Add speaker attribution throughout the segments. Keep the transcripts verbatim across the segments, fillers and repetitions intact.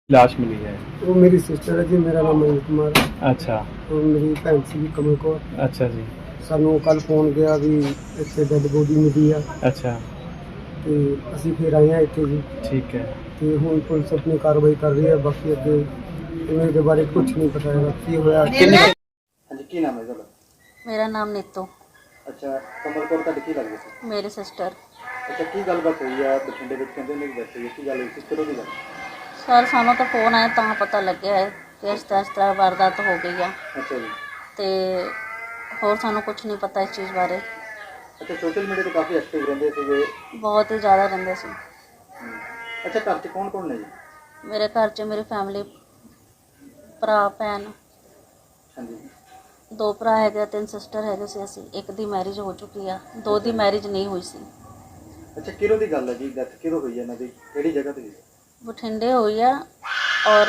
Speaker 1: लाश मिली है।
Speaker 2: वो मेरी सिस्टर है जी। मेरा नाम मनीष कुमार है।
Speaker 1: अच्छा
Speaker 2: और मेरी भैन सी कमल कौर।
Speaker 1: अच्छा जी।
Speaker 2: ਸਾਨੂੰ ਕੱਲ ਫੋਨ ਗਿਆ ਵੀ ਇੱਥੇ ਡੈੱਡ ਬੋਡੀ ਮਿਲੀ ਆ
Speaker 1: अच्छा
Speaker 2: ਤੇ ਅਸੀਂ ਫਿਰ ਆਏ ਹਾਂ ਇੱਥੇ ਜੀ।
Speaker 1: ठीक है।
Speaker 2: ਤੇ ਹੁਣ ਪੁਲਿਸ ਆਪਣੀ ਕਾਰਵਾਈ ਕਰ ਰਹੀ ਹੈ। ਬਾਕੀ ਅੱਗੇ ਇਹਨਾਂ ਦੇ ਬਾਰੇ ਕੁਝ ਨਹੀਂ ਪਤਾ ਹੈਗਾ ਕੀ ਹੋਇਆ।
Speaker 3: ਹਾਂਜੀ ਕੀ ਨਾਮ ਹੈ ਤੁਹਾਡਾ?
Speaker 4: ਮੇਰਾ ਨਾਮ ਨੀਤੂ,
Speaker 3: ਅੱਛਾ ਕਮਲ ਕੌਰ ਤੁਹਾਡੀ ਕੀ ਲੱਗਦੀ ਸੀ?
Speaker 4: ਮੇਰੀ ਸਿਸਟਰ।
Speaker 3: ਅੱਛਾ ਕੀ ਗੱਲਬਾਤ ਹੋਈ ਆ ਬਠਿੰਡੇ ਵਿੱਚ? ਕਹਿੰਦੇ ਨੇ ਬੈਠੇ ਹੋਈ ਕੀ ਗੱਲ ਹੋਈ ਸੀ? ਕਦੋਂ ਦੀ ਗੱਲ?
Speaker 4: ਸਰ ਸਾਨੂੰ ਤਾਂ ਫੋਨ ਆਇਆ ਤਾਂ ਪਤਾ ਲੱਗਿਆ ਹੈ ਕਿ ਇਸ ਤਰ੍ਹਾਂ ਇਸ ਤਰ੍ਹਾਂ ਵਾਰਦਾਤ ਹੋ ਗਈ ਆ
Speaker 3: ਅੱਛਾ ਜੀ।
Speaker 4: ਤੇ ਹੋਰ ਸਾਨੂੰ ਕੁਝ ਨਹੀਂ ਪਤਾ ਇਸ ਚੀਜ਼ ਬਾਰੇ।
Speaker 3: ਅੱਛਾ ਸੋਸ਼ਲ ਮੀਡੀਆ ਤੇ ਕਾਫੀ ਐਕਟਿਵ ਰਹਿੰਦੇ ਸੀਗੇ।
Speaker 4: ਬਹੁਤ ਹੀ ਜ਼ਿਆਦਾ ਰਹਿੰਦੇ ਸੀ।
Speaker 3: ਹਮ, ਅੱਛਾ ਘਰ 'ਚ ਕੌਣ ਕੌਣ ਨੇ ਜੀ?
Speaker 4: ਮੇਰੇ ਘਰ 'ਚ ਮੇਰੀ ਫੈਮਿਲੀ, ਭਰਾ ਭੈਣ,
Speaker 3: ਹਾਂਜੀ
Speaker 4: ਦੋ ਭਰਾ ਹੈਗੇ, ਤਿੰਨ ਸਿਸਟਰ ਹੈਗੇ ਸੀ ਅਸੀਂ। ਇੱਕ ਦੀ ਮੈਰਿਜ ਹੋ ਚੁੱਕੀ ਆ, ਦੋ ਦੀ ਮੈਰਿਜ ਨਹੀਂ ਹੋਈ ਸੀ।
Speaker 3: ਅੱਛਾ ਕਿਹਦੋਂ ਦੀ ਗੱਲ ਹੈ ਜੀ? ਡੈਥ ਕਿਹਦੋਂ ਹੋਈ ਹੈ ਇਹਨਾਂ ਦੀ? ਕਿਹੜੀ ਜਗ੍ਹਾ ਤੇ?
Speaker 4: ਬਠਿੰਡੇ ਹੋਈ ਆ। ਔਰ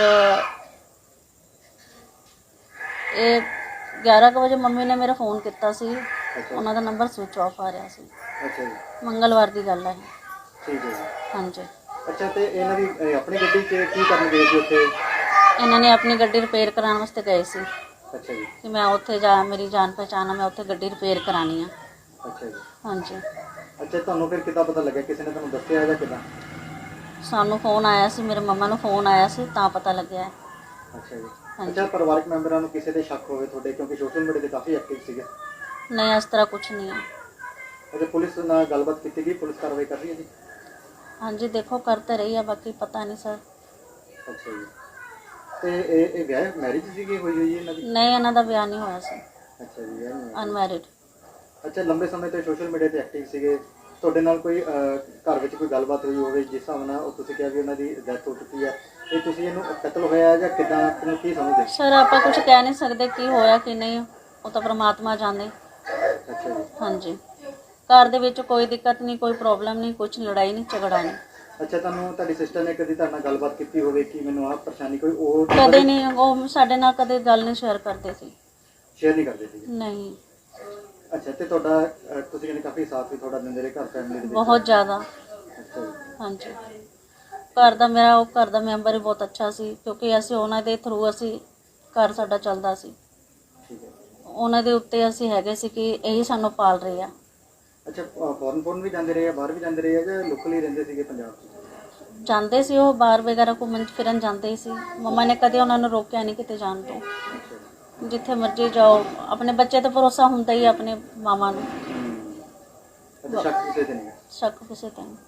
Speaker 4: ਇਹ ਗਿਆਰਾਂ ਕੁ ਵਜੇ ਮੰਮੀ ਨੇ ਮੇਰਾ ਫੋਨ ਕੀਤਾ ਸੀ। ਉਹਨਾਂ ਦਾ ਨੰਬਰ ਸਵਿਚ ਆਫ ਆ ਰਿਹਾ ਸੀ।
Speaker 3: ਅੱਛਾ ਜੀ
Speaker 4: ਮੰਗਲਵਾਰ ਦੀ ਗੱਲ ਹੈ।
Speaker 3: ਠੀਕ ਹੈ ਜੀ।
Speaker 4: ਹਾਂਜੀ।
Speaker 3: ਅੱਛਾ ਤੇ ਇਹਨਾਂ ਦੀ ਅਹ, ਆਪਣੀ ਗੱਡੀ 'ਚ ਕੀ ਕਰਨ ਗਏ ਸੀ ਉੱਥੇ?
Speaker 4: ਇਹਨਾਂ ਨੇ ਆਪਣੀ ਗੱਡੀ ਰਿਪੇਅਰ ਕਰਾਉਣ ਵਾਸਤੇ ਗਏ ਸੀ
Speaker 3: ਅੱਛਾ ਜੀ
Speaker 4: ਕਿ ਮੈਂ ਉੱਥੇ ਜਾ, ਮੇਰੀ ਜਾਣ ਪਹਿਚਾਣ ਆ, ਮੈਂ ਉੱਥੇ ਗੱਡੀ ਰਿਪੇਅਰ ਕਰਾਉਣੀ ਆ।
Speaker 3: ਅੱਛਾ ਜੀ।
Speaker 4: ਹਾਂਜੀ।
Speaker 3: ਅੱਛਾ ਤੁਹਾਨੂੰ ਫਿਰ ਕਿੱਦਾਂ ਪਤਾ ਲੱਗਿਆ? ਕਿਸੇ ਨੇ ਤੁਹਾਨੂੰ ਦੱਸਿਆ ਜਾਂ ਕਿੱਦਾਂ?
Speaker 4: ਸਾਨੂੰ ਫੋਨ ਆਇਆ ਸੀ, ਮੇਰੇ ਮੰਮਾ ਨੂੰ ਫੋਨ ਆਇਆ ਸੀ ਤਾਂ ਪਤਾ ਲੱਗਿਆ ਹੈ।
Speaker 3: ਅੱਛਾ ਜੀ।
Speaker 4: ਹਾਂਜੀ।
Speaker 3: ਅੱਛਾ ਪਰਿਵਾਰਕ ਮੈਂਬਰਾਂ ਨੂੰ ਕਿਸੇ ਤੇ ਸ਼ੱਕ ਹੋਵੇ ਤੁਹਾਡੇ, ਕਿਉਂਕਿ ਸੋਸ਼ਲ ਮੀਡੀਆ ਤੇ ਕਾਫੀ ਐਕਟਿਵ ਸੀਗੇ?
Speaker 4: ਨਹੀਂ, ਇਸ ਤਰ੍ਹਾਂ ਕੁਝ ਨਹੀਂ ਹੈ।
Speaker 3: ਅੱਛਾ ਪੁਲਿਸ ਨਾਲ ਗੱਲਬਾਤ ਕੀਤੀ ਗਈ? ਪੁਲਿਸ ਕਾਰਵਾਈ ਕਰ ਰਹੀ ਹੈ ਜੀ?
Speaker 4: ਹਾਂਜੀ ਦੇਖੋ ਕਰ ਤਾਂ ਰਹੀ ਆ, ਬਾਕੀ ਪਤਾ ਨਹੀਂ ਸਰ।
Speaker 3: ਅੱਛਾ ਜੀ। ਤੇ ਇਹ ਇਹ ਵਿਆਹ ਮੈਰਿਜ ਸੀਗੀ ਹੋਈ ਹੋਈ ਹੈ ਇਹਨਾਂ ਦੀ?
Speaker 4: ਨਹੀਂ, ਇਹਨਾਂ ਦਾ ਵਿਆਹ ਨਹੀਂ ਹੋਇਆ ਸੀ।
Speaker 3: ਅੱਛਾ ਜੀ ਵਿਆਹ ਨਹੀਂ ਹੋਇਆ।
Speaker 4: ਅਨਮੈਰਿਡ।
Speaker 3: ਅੱਛਾ ਲੰਬੇ ਸਮੇਂ ਤੋਂ ਸੋਸ਼ਲ ਮੀਡੀਆ ਤੇ ਐਕਟਿਵ ਸੀਗੇ। ਤੁਹਾਡੇ ਨਾਲ ਕੋਈ ਅਹ, ਘਰ ਵਿੱਚ ਕੋਈ ਗੱਲਬਾਤ ਹੋਈ ਹੋਵੇ ਜਿਸ ਹਿਸਾਬ ਨਾਲ ਉਹ ਤੁਸੀਂ ਕਿਹਾ ਵੀ ਉਹਨਾਂ ਦੀ ਡੈਥ ਹੋ ਚੁੱਕੀ ਹੈ, ਇਹ ਤੁਸੀਂ ਇਹਨੂੰ ਕਤਲ ਹੋਇਆ ਜਾਂ ਕਿੱਦਾਂ, ਕਿਹਨੂੰ ਕੀ ਸਮਝਦੇ?
Speaker 4: ਸਰ ਆਪਾਂ ਕੁਝ ਕਹਿ ਨਹੀਂ ਸਕਦੇ ਕੀ ਹੋਇਆ ਕੀ ਨਹੀਂ, ਉਹ ਤਾਂ ਪ੍ਰਮਾਤਮਾ ਜਾਣੇ।
Speaker 3: ਅੱਛਾ ਜੀ।
Speaker 4: ਹਾਂਜੀ। ਘਰ ਦੇ ਵਿੱਚ ਕੋਈ ਦਿੱਕਤ ਨਹੀਂ, ਕੋਈ ਪ੍ਰੋਬਲਮ ਨਹੀਂ, ਕੁਝ ਲੜਾਈ ਨਹੀਂ, ਝਗੜਾ ਨਹੀਂ।
Speaker 3: ਅੱਛਾ ਤੁਹਾਨੂੰ ਤੁਹਾਡੀ ਸਿਸਟਰ ਨੇ ਕਦੀ ਤੁਹਾਡੇ ਨਾਲ ਗੱਲਬਾਤ ਕੀਤੀ ਹੋਵੇ ਕਿ ਮੈਨੂੰ ਆਹ ਪਰੇਸ਼ਾਨੀ ਕੋਈ ਉਹ
Speaker 4: ਕਦੇ ਨਹੀਂ, ਉਹ ਸਾਡੇ ਨਾਲ ਕਦੇ ਗੱਲ ਨਹੀਂ ਸ਼ੇਅਰ ਕਰਦੇ ਸੀ।
Speaker 3: ਸ਼ੇਅਰ ਨਹੀਂ ਕਰਦੇ ਸੀ?
Speaker 4: ਨਹੀਂ।
Speaker 3: ਅੱਛਾ ਤੇ ਤੁਹਾਡਾ ਅਹ, ਤੁਸੀਂ ਕਹਿੰਦੇ ਕਾਫੀ ਸਾਥ ਵੀ ਤੁਹਾਡਾ ਦਿੰਦੇ ਰਹੇ ਘਰ ਫੈਮਿਲੀ ਦੇ ਵਿੱਚ?
Speaker 4: ਬਹੁਤ ਜ਼ਿਆਦਾ।
Speaker 3: ਅੱਛਾ ਜੀ।
Speaker 4: ਹਾਂਜੀ। ਘਰ ਦਾ ਮੇਰਾ ਉਹ ਘਰ ਦਾ ਮੈਂਬਰ ਹੀ ਬਹੁਤ ਅੱਛਾ ਸੀ, ਕਿਉਂਕਿ ਅਸੀਂ ਉਹਨਾਂ ਦੇ ਥਰੂ ਅਸੀਂ ਘਰ ਸਾਡਾ ਚੱਲਦਾ ਸੀ।
Speaker 3: ਠੀਕ ਹੈ।
Speaker 4: ਉਹਨਾਂ ਦੇ ਉੱਤੇ ਅਸੀਂ ਹੈਗੇ ਸੀ ਕਿ ਇਹੀ ਸਾਨੂੰ ਪਾਲ ਰਹੇ ਆ।
Speaker 3: ਅੱਛਾ ਫੋਰਨ ਫੋਰਨ ਵੀ ਜਾਂਦੇ ਰਹੇ ਆ, ਬਾਹਰ ਵੀ ਜਾਂਦੇ ਰਹੇ ਆ ਜਾਂ ਲੋਕਲ ਹੀ ਰਹਿੰਦੇ ਸੀਗੇ ਪੰਜਾਬ 'ਚ?
Speaker 4: ਜਾਂਦੇ ਸੀ ਉਹ ਬਾਹਰ ਵਗੈਰਾ ਘੁੰਮਣ ਫਿਰਨ ਜਾਂਦੇ ਸੀ। ਮੰਮਾ ਨੇ ਕਦੇ ਉਹਨਾਂ ਨੂੰ ਰੋਕਿਆ ਨਹੀਂ ਕਿਤੇ ਜਾਣ ਤੋਂ।
Speaker 3: ਅੱਛਾ ਜੀ।
Speaker 4: ਜਿੱਥੇ ਮਰਜ਼ੀ ਜਾਓ, ਆਪਣੇ ਬੱਚੇ ਤੇ ਭਰੋਸਾ ਹੁੰਦਾ ਹੀ ਆ, ਆਪਣੇ ਮਾਵਾਂ ਨੂੰ।
Speaker 3: ਅੱਛਾ ਸ਼ੱਕ ਕਿਸੇ ਤੇ ਨਹੀਂ ਹੈ?
Speaker 4: ਸ਼ੱਕ ਕਿਸੇ ਤੇ ਨਹੀਂ।